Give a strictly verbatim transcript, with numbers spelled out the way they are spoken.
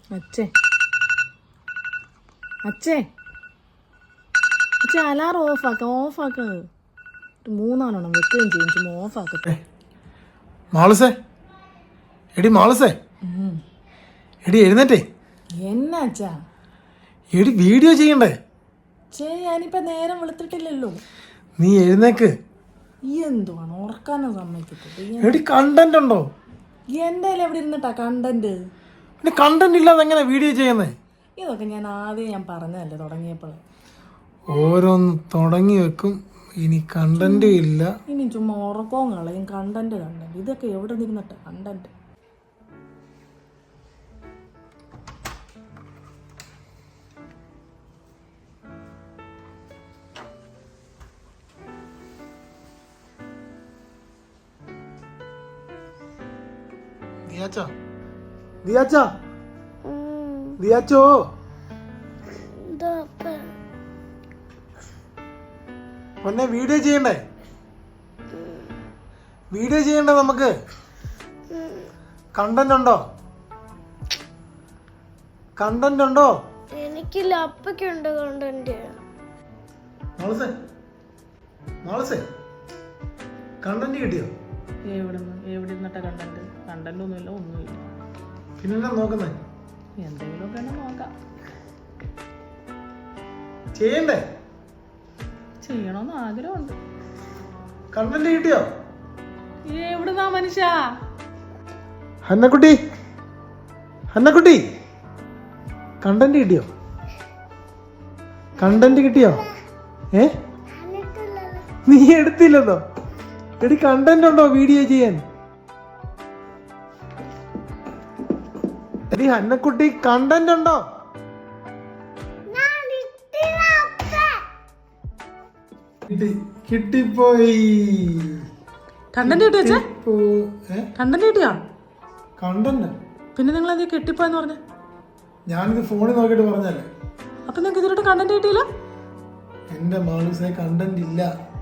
അച്ഛേ അച്ഛേ അച്ഛേ alarm ഓഫാക്ക ഓഫാക്ക മൂന്നാലെണ്ണം വെക്കുകയും ചെയ്യും ചുമ്മാ ഓഫാക്കട്ടെ. മാളസേ എടി മാളസേ എടി എഴുന്നേറ്റേ. എന്നാ അച്ഛാ? എടി വീഡിയോ ചെയ്യണ്ടേ? ചേ ഞാനിപ്പോ നേരം വെളുത്തിട്ടില്ലല്ലോ. നീ എഴുന്നേക്ക്. എന്തുവാണ് ഉറക്കാനും സമ്മതിക്കത്തില്ല. എടി കണ്ടന്റ് ഉണ്ടോ? എന്റെ എവിടെ ഇരുന്നിട്ടാ കണ്ടന്റ്? പിന്നെ കണ്ടന്റ് ഇല്ലാതെ എങ്ങനെ വീഡിയോ ചെയ്യുന്നേ? ഇതൊക്കെ ഞാൻ ആദ്യം ഞാൻ പറഞ്ഞതല്ലേ തുടങ്ങിയപ്പോൾ. ഓരോന്ന് തുടങ്ങി വെക്കും, ഇനി കണ്ടന്റും ഇല്ല. ഇനി ചുമ്മാ ഉറക്കവും കളയും. കണ്ടന്റ് കണ്ടന്റ് ഇതൊക്കെ എവിടെ നിന്നിട്ടാ കണ്ടന്റ്? ദിയാച്ചാ ദിയാച്ചാ ദിയാച്ചോ പൊന്നെ വീഡിയോ ചെയ്യണ്ടേ? വീഡിയോ ചെയ്യണ്ടേ നമുക്ക്? കണ്ടന്റ് ഉണ്ടോ? കണ്ടന്റ് ഉണ്ടോ? എനിക്കില്ല, അപ്പക്കുണ്ട് കണ്ടന്റ്. മാളസേ മാളസേ കണ്ടന്റ് കിട്ടിയോ? എവിടെ എവിടെ ഇരുന്നിട്ടാ കണ്ടന്റ്? കണ്ടന്റ് ഒന്നുമില്ല, ഒന്നുമില്ല. പിന്നെ നോക്കുന്നേ എന്തെങ്കിലുമൊക്കെ നോക്കാം. ചെയ്യണ്ടേ? ചെയ്യണമെന്ന് ആഗ്രഹമുണ്ട്. കണ്ടന്റ് കിട്ടിയോ? എവിടുന്നാ മനുഷ്യ? ഹന്നക്കുട്ടി ഹന്നക്കുട്ടി കണ്ടന്റ് കിട്ടിയോ? കണ്ടന്റ് കിട്ടിയോ? ഏ നീ എടുത്തില്ലെന്നോ? എടി കണ്ടന്റ് ഉണ്ടോ വീഡിയോ ചെയ്യാൻ? എടി ഹന്നക്കുട്ടി കണ്ടന്റ് ഉണ്ടോ? കിട്ടിപ്പോയി. കണ്ടന്റ് കിട്ടിയോ? കണ്ടന്റ് കിട്ടിയോ? കണ്ടന്റ് പിന്നെ നിങ്ങൾ അത് കെട്ടിപ്പോയെന്ന് പറഞ്ഞേ? ഞാനിത് ഫോണിൽ നോക്കിയിട്ട് പറഞ്ഞല്ലേ. അപ്പൊ നിങ്ങൾക്ക് ഇതിലോട്ട് കണ്ടന്റ് കിട്ടിയില്ല? എന്റെ മാളൂസേ കണ്ടന്റ് ഇല്ല.